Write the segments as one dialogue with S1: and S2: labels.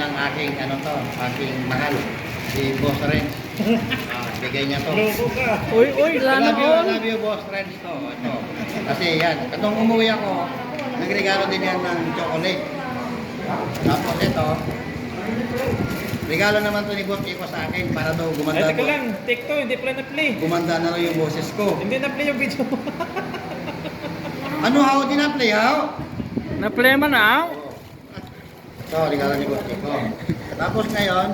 S1: ng aking aking mahal, si Boss Renz. Bigay niya to.
S2: Uy, sana all.
S1: Love you, Boss Renz to. Ito. Kasi yan, katong umuwi ako, nagregalo din yan ng chocolate. Tapos ito, regalo naman to ni Boss Iko sa akin para daw gumanda.
S2: Ay, teka lang, take to, hindi pala na-play.
S1: Gumanda na rin yung boses ko.
S2: Hindi na-play yung video.
S1: Ano how din na-play, how?
S2: Na-play man na?
S1: Ito, regalo ni Boss Iko. Tapos ngayon,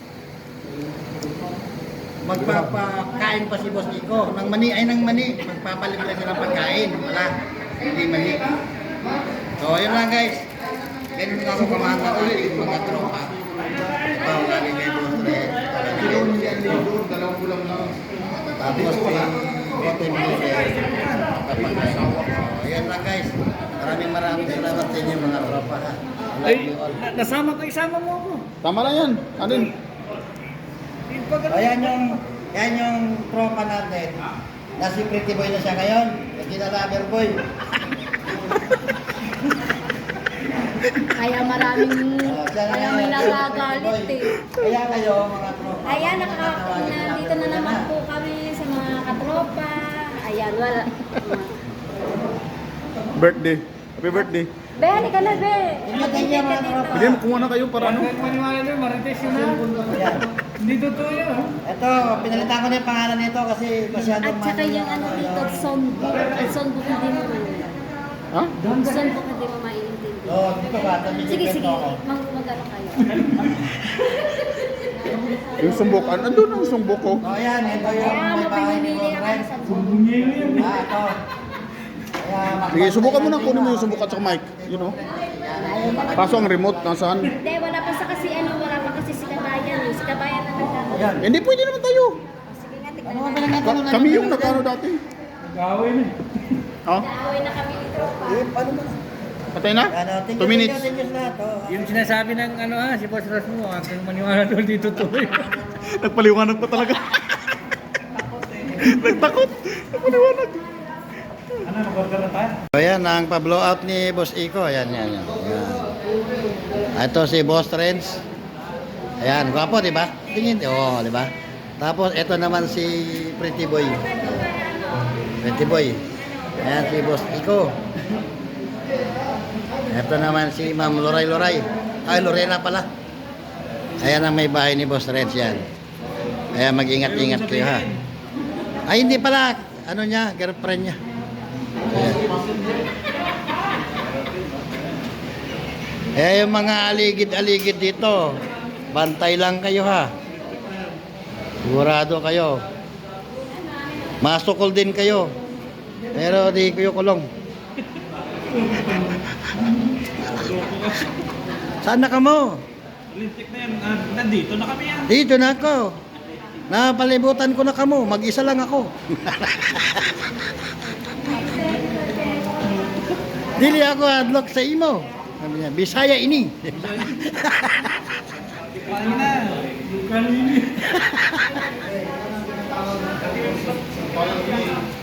S1: magpapakain pa si Boss Iko ng mani. Magpapalimla sila ng pagkain. Wala, hindi mani. So, yun lang guys. Ganun ako kamahal na ulit yung mga tropa. Ito, galing kay Boss Red.
S3: Dalawang bulang lang.
S1: Tapos si Botin Miller. Ayan lang guys. Maraming salamat sa inyo mga tropa ha. I love you all.
S2: Nasama ko, isama mo ako.
S3: Tama na yan. Alin?
S1: Yan yung tropa natin. Na si Pretty Boy na siya ngayon. Hindi na Lover Boy.
S4: Kaya may nagagalit eh.
S1: Kaya kayo mga tropa.
S4: Ayan, nandito na naman po kami sa mga katropa. Ayan, wala.
S3: Birthday. Happy birthday.
S4: Be, halika na, Be.
S1: Ingat niya mga tropa.
S3: Hindi, kumuha na kayo para ano?
S2: Maniwala nyo, marites yun na.
S1: Ayan.
S2: Hindi totoo yun.
S1: Ito, pinalitan ko na yung pangalan nito kasi masyadong
S4: At saka yung ano dito, songbook. Ang songbook hindi mo
S3: Ha?
S4: Ang songbook hindi mo maiintindi.
S1: Oh, dito ba?
S4: Sige, mag-ano kayo.
S3: Yung sumbukan. Andun ang sumbuk ko.
S1: Oh, yan. Ito yung
S4: Kaya
S1: may bahay ni
S4: mapimili
S1: Boss
S4: ako
S1: Red.
S4: sa songbook.
S1: Ito.
S3: Sige, subukan mo na. Kunin mo yung sumbuk at saka mic. You know? Kaso ang remote, nasaan?
S4: Hindi, wala pa kasi si Kabayan eh. Si Kabayan na nagkakaroon.
S1: Ayan.
S3: Hindi, pwede naman tayo.
S4: Sige nga, tignan
S1: Ano ba
S4: natin.
S1: pinagkatalunan?
S3: Kami yung nagkano dati.
S2: Nag-away na.
S3: Ha?
S4: Naaway na kami ni Tropa.
S1: Paano ba?
S3: Patay na? 2 minutes.
S1: Thank you lahat. Oh.
S2: Yung sinasabi ng si Boss Ross mo, aking maniwala doon dito tuloy.
S3: Nagpaliwanag pa talaga. Nagtakot. Nagpaliwanag.
S2: Ano, mag-order na tayo?
S1: So yan, ang pa-blow out ni Boss Iko. Yan. Ito si Boss Renz. Ayan, gwapo, di ba? Tingin, di ba? Tapos ito naman si Pretty Boy. Pretty Boy. Ayan si Boss Iko. Ito naman si Ma'am Loray. Ay, Lorena pala. Ayan ang may bahay ni Boss Renz yan. Ayan, mag-ingat-ingat kayo ha. Ay, hindi pala. Ano niya, girlfriend niya. Ayan. Yung mga aligid-aligid dito, bantay lang kayo ha. Sigurado kayo. Masukol din kayo. Pero di kayo kulong. Saan na ka mo?
S2: Lintik na yan. Nandito na kami yan.
S1: Dito na ako. Napalibutan ko na kamo. Mag-isa lang ako. Dili ako adlock sa imo. Sabi niya, Bisaya ini.
S2: Kanina.